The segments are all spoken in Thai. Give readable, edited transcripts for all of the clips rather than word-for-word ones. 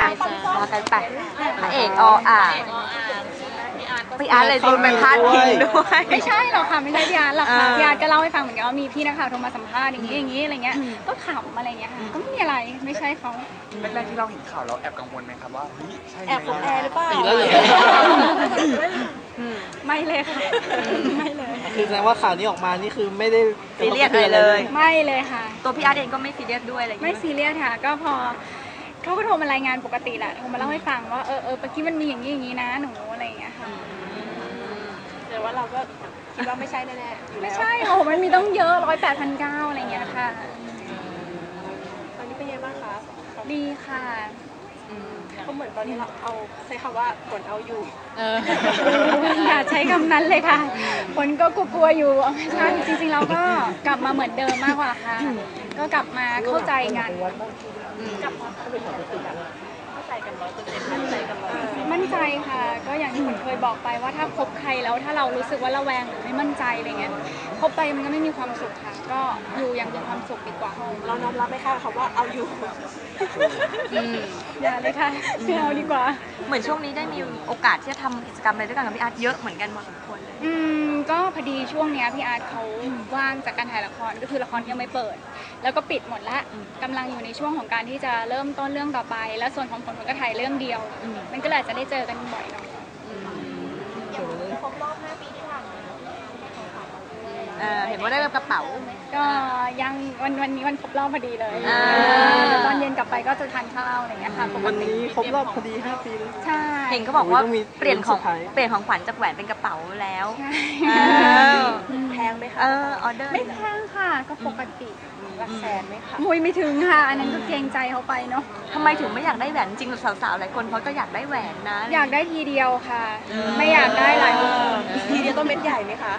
มากันไปพระเอกอ่างพี่อาร์ตเลยโดนไปพาดพิงด้วยไม่ใช่หรอกค่ะไม่ใช่พี่อาร์ตหรอกค่ะพี่อาร์ตก็เล่าให้ฟังเหมือนกันว่ามีพี่นักข่าวโทรมาสัมภาษณ์อย่างนี้อะไรเงี้ยก็ขำอะไรเงี้ยค่ะก็ไม่มีอะไรไม่ใช่เขาแรกๆที่เราเห็นข่าวเราแอบกังวลไหมครับว่าใช่แอบของแอร์หรือเปล่าไม่เลยค่ะไม่เลยคือแสดงว่าข่าวนี้ออกมานี่คือไม่ได้ซีเรียสเลยไม่เลยค่ะตัวพี่อาร์ตเองก็ไม่ซีเรียสด้วยอะไรไม่ซีเรียสค่ะก็พอเขาก็โทรมารายงานปกติแหละโทรมาเล่าให้ฟังว่าเมื่อกี้มันมีอย่างนี้นะหนูอะไรอย่างเงี้ยค่ะแต่ว่าเราก็คิดว่าไม่ใช่แน่ๆไม่ใช่โอ้มันมีต้องเยอะ108,900อะไรอย่างเงี้ยค่ะตอนนี้เป็นยังไงบ้างคะดีค่ะก็เหมือนตอนนี้เราเอาใช้คำว่าผลเอาอยู่อย่าใช้คำนั้นเลยค่ะคนก็กลัวอยู่ไม่ใช่จริงๆเราก็กลับมาเหมือนเดิมมากกว่าค่ะก็กลับมาเข้าใจกันกลับมาเข้าใจกัน100%มั่นใจกันมั่นใจค่ะก็อย่างที่ผมเคยบอกไปว่าถ้าคบใครแล้วถ้าเรารู้สึกว่าระแวงหรือไม่มั่นใจอะไรเงี้ยคบไปมันก็ไม่มีความสุขค่ะก็อยู่อย่างมีความสุขดีกว่าเราน้อมรับไหมคะคำว่าเอาอยู่อย่าเลยค่ะไม่เอาดีกว่าเหมือนช่วงนี้ได้มีโอกาสที่จะทำกิจกรรมอะไรด้วยกันกับพี่อาร์ตเยอะเหมือนกันพอสมควรเลยก็พอดีช่วงนี้พี่อาร์ตเขาว่างจากการถ่ายละครก็คือละครยังไม่เปิดแล้วก็ปิดหมดละกำลังอยู่ในช่วงของการที่จะเริ่มต้นเรื่องต่อไปแล้วส่วนของผลก็ถ่ายเรื่องเดียวมันก็เลยจะได้เจอกันบ่อยหน่อยครบรอบ5 ปีที่ผ่านมาเห็นว่าได้รับกระเป๋าก็ยังวันนี้วันครบรอบพอดีเลยตอนเย็นกลับไปก็จะทานข้าวอะไรอย่างเงี้ยค่ะวันนี้ครบรอบพอดี5 ปีเลยใช่เห็นเขาบอกว่าเปลี่ยนของขวัญจากแหวนเป็นกระเป๋าแล้วแพงไหมคะออเดอร์ไม่แพงค่ะก็ปกติหลักแสนไหมคะมุยไม่ถึงค่ะอันนั้นก็เกรงใจเขาไปเนาะทำไมถึงไม่อยากได้แหวนจริงสาวๆหลายคนเขาก็อยากได้แหวนนะอยากได้ทีเดียวค่ะไม่อยากได้หลายทีเดียวต้องเม็ดใหญ่ไหมคะ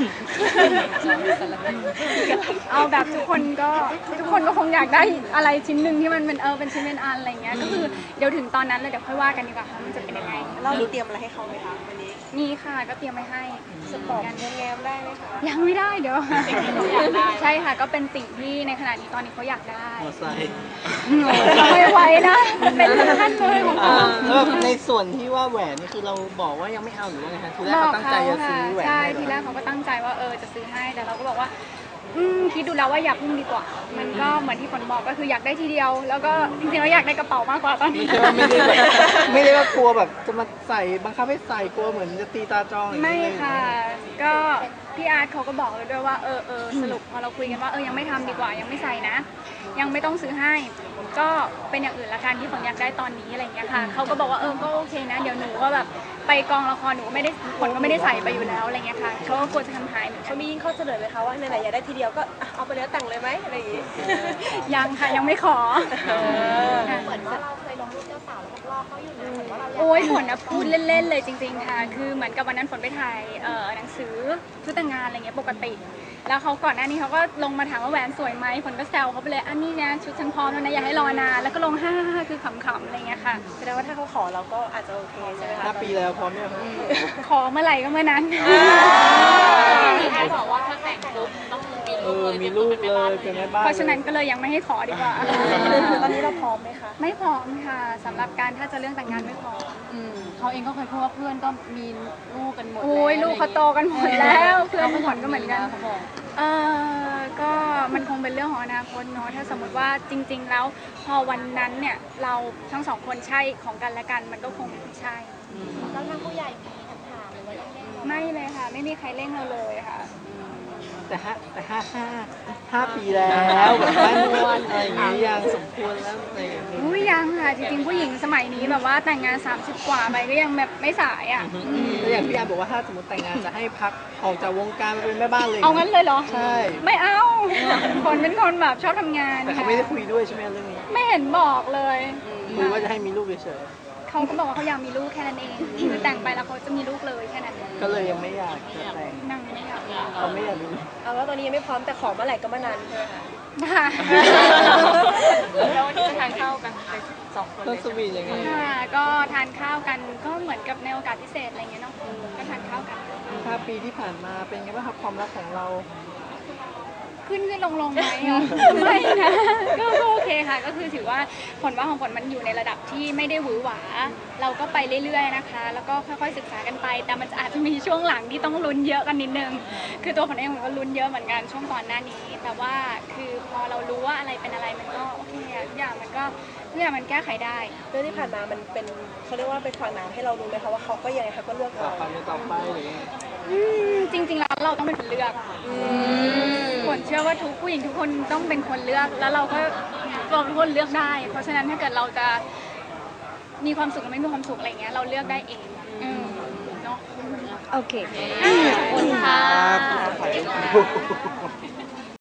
เอาแบบทุกคนก็คงอยากได้อะไรชิ้นหนึ่งที่มันเป็นชิ้นเป็นอันอะไรเงี้ยก็คือเดี๋ยวถึงตอนนั้นเลยเดี๋ยวค่อยว่ากันดีกว่าค่ะมันจะเป็นยังไงเรามีเตรียมอะไรให้เขาไหมคะวันนี้มีค่ะก็เตรียมไว้ให้สปอร์ตแง้มได้ไหมคะยังไม่ได้เดี๋ยวใช่ค่ะก็เป็นสิ่งที่ในขณะนี้ตอนนี้เขาอยากได้ไม่ไหวนะเป็นขั้นเลยของเขาในส่วนที่ว่าแหวนนี่คือเราบอกว่ายังไม่เอาหรือว่าไงคะทีแรกเขาตั้งใจจะซื้อแหวนใช่ทีแรกเขาก็ตั้งใจว่าจะซื้อให้แต่เราก็บอกว่าคิดดูแล้วว่าอย่าพึ่งดีกว่ามันก็เหมือนที่ฝนบอกก็คืออยากได้ทีเดียวแล้วก็จริงๆเราอยากได้กระเป๋ามากกว่าตอนนี้ไม่ได้ว่ากลัวแบบจะมาใส่บังคับให้ใส่กลัวเหมือนจะตีตาจองไม่ค่ะก็พี่อาร์ตเขาก็บอกเลยด้วยว่าสรุปพอเราคุยกันว่ายังไม่ทำดีกว่ายังไม่ใส่นะยังไม่ต้องซื้อให้ก็เป็นอย่างอื่นละกันที่ฝนอยากได้ตอนนี้อะไรอย่างเงี้ยค่ะเขาก็บอกว่าก็โอเคนะเดี๋ยวหนูก็แบบไปกองละครหนูไม่ได้ฝนก็ไม่ได้ใส่ไปอยู่แล้วอะไรเงี้ยค่ะเขาก็กลัวจะทำหายเขามียิ่งข้อเสนอไหมคะว่าไหนๆอยากได้ทีเดียวก็เอาไปแล้วแต่งเลยไหมอะไรอย่างงี้ยังค่ะยังไม่ขอเหมือนว่าเราเคยลงรูปเจ้าสาวแล้วรอบเขาอยู่นะเหมือนว่าเราโอ้ยฝนพูดเล่นๆเลยจริงๆค่ะคือเหมือนกับวันนั้นฝนไปถ่ายหนังสือชุดแต่งงานอะไรเงี้ยปกติแล้วเขาก่อนหน้านี้เขาก็ลงมาถามว่าแหวนสวยไหมฝนก็แซวเขาไปเลยอันนี้นะชุดฉันพร้อมแล้วนะอย่าให้รอนานแล้วก็ลง5คือขำๆอะไรเงี้ยค่ะแสดงว่าถ้าเขาขอเราก็อาจจะโอเคใช่ไหมคะ 5 ปีแล้วพร้อมยังขอเมื่อไหร่ก็เมื่อนั้นใครบอกว่าถ้าแต่งปุ๊บต้องมีลูกเลยเป็นแม่บ้านเพราะฉะนั้นก็เลยยังไม่ให้ขอดีกว่าตอนนี้เราพร้อมไหมคะไม่พร้อมค่ะสำหรับการถ้าจะเรื่องแต่งงานไม่พร้อมเขาเองก็เคยพูดว่าเพื่อนก็มีลูกกันหมดโอ้ยลูกเขาโตกันหมดแล้วเพื่อนฝนก็เหมือนกันก็มันคงเป็นเรื่องของอนาคตเนาะถ้าสมมติว่าจริงๆแล้วพอวันนั้นเนี่ยเราทั้งสองคนใช่ของกันและกันมันก็คงใช่แล้วทางผู้ใหญ่มีคำถามหรือว่าต้องเร่งไม่เลยค่ะไม่มีใครเร่งเราเลยค่ะแต่5 ปีแล้วแบบบ้านนวลอะไรอย่างเงี้ยยังสมควรแล้วอะไรอย่างเงี้ยยังค่ะจริงๆผู้หญิงสมัยนี้แบบว่าแต่งงาน30 กว่าไปก็ยังแบบไม่สายอ่ะแล้วอย่างพี่อาร์บอกว่าถ้าสมมติแต่งงานจะให้พักออกจากวงการมาเป็นแม่บ้านเลยเอางั้นเลยเหรอใช่ไม่เอาคนเป็นคนแบบชอบทำงานแต่เขาไม่ได้คุยด้วยใช่ไหมเรื่องนี้ไม่เห็นบอกเลยคุยว่าจะให้มีลูกเฉยเขาก็บอกว่าเขาอยากมีลูกแค่นั้นเองคือแต่งไปแล้วเขาจะมีลูกเลยแค่นั้นก็เลยยังไม่อยากจะแต่งนั่งไม่อยากเขาไม่อยากมีเอาว่าตอนนี้ยังไม่พร้อมแต่ขอเมื่อไหร่ก็เมื่อนั้นใช่ไหมคะค่ะแล้ววันนี้จะทานข้าวกันไป2 คนเลยสวีทยังไงก็ทานข้าวกันก็เหมือนกับในโอกาสพิเศษอะไรเงี้ยเนาะก็ทานข้าวกัน 5 ปีที่ผ่านมาเป็นไงบ้างครับความรักของเราขึ้นลงไหมอ่ะ ไม่นะก็โอเคค่ะ ก็คือถือว่าผลว่าของผลมันอยู่ในระดับที่ไม่ได้หวือหวา เราก็ไปเรื่อยๆนะคะ แล้วก็ค่อยๆศึกษากันไป แต่มันอาจจะมีช่วงหลังที่ต้องลุ้นเยอะกันนิดนึง คือตัวผลเองผมก็ลุ้นเยอะเหมือนกันช่วงก่อนหน้านี้ แต่ว่าคือพอเรารู้ว่าอะไรเป็นอะไรมันก็โอเคอะทุกอย่างมันแก้ไขได้เรื่องที่ผ่านมามันเป็นเขาเรียกว่าเป็นฝังน้ำให้เรารู้ไหมคะว่าเขาก็ยังไงเขาก็เลือกต่อเราความต่อไปหรือยังไงจริงๆแล้วเราต้องเป็นคนเลือกผลเชื่อว่าทุกผู้หญิงทุกคนต้องเป็นคนเลือก แล้วเราทุกคนเลือกได้ เพราะฉะนั้นถ้าเกิดเราจะมีความสุขหรือไม่มีความสุขอะไรเงี้ยเราเลือกได้เองเนาะโอเคขอบคุณค่ะครับ